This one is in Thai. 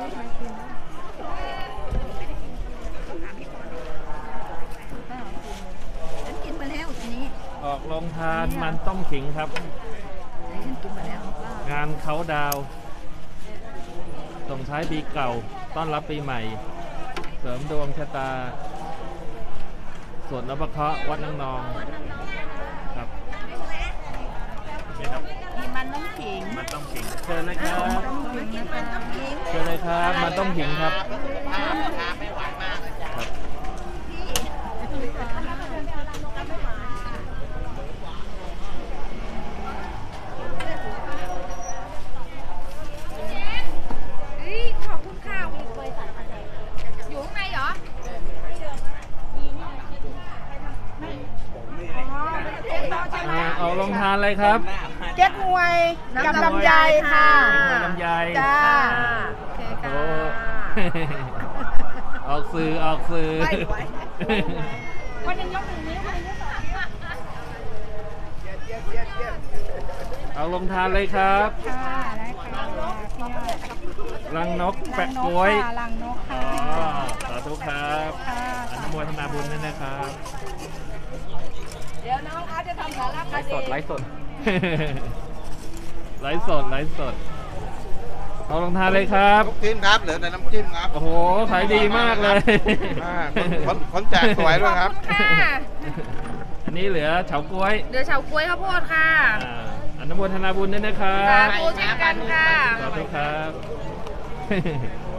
ฉันกินมาแล้วทีนี้ออกโรงทานมันต้มขิงครับฉันกินมาแล้วงานเขาดาวส่งท้ายปีเก่าต้อนรับปีใหม่เสริมดวงชะตาสวดนพเคราะห์วัดนางนองครับมีมันต้มขิงมันต้มขิงเชิญเลยครับมากินมันต้มขิงเชิญเลยครับมันต้มขิงครับไม่หวานมากเลยจ้ะครับขอบคุณค่ะอยู่ข้างในเหรอเอาลงทานเลยครับเก๊กฮวยกับลำไยค่ะลำไยจ้าโอเคค่ะออกสื่อวันนึงยกหนึ่งนิ้ววันนึงยกสองนิ้วเอาลงทานเลยครับค่ะได้ค่ะรังนกแปะกล้วยรังนกค่ะสาธุครับอนุโมทนาบุญด้วยนะครับเดี๋ยวน้องอาร์ตจะทำสาระคดีไลฟ์สดเอาลงทานเลยครับน้ำจิ้มครับเหลือแต่น้ำจิ้มครับโอ้โหขายดีมากเลยคนแจกสวยด้วยครับอันนี้เหลือเฉาก๊วยเดี๋ยวเฉาก๊วยข้าวโพดค่ะอนุโมทนาบุญด้วยนะครับสาธุเช่นกันค่ะสาธุครับ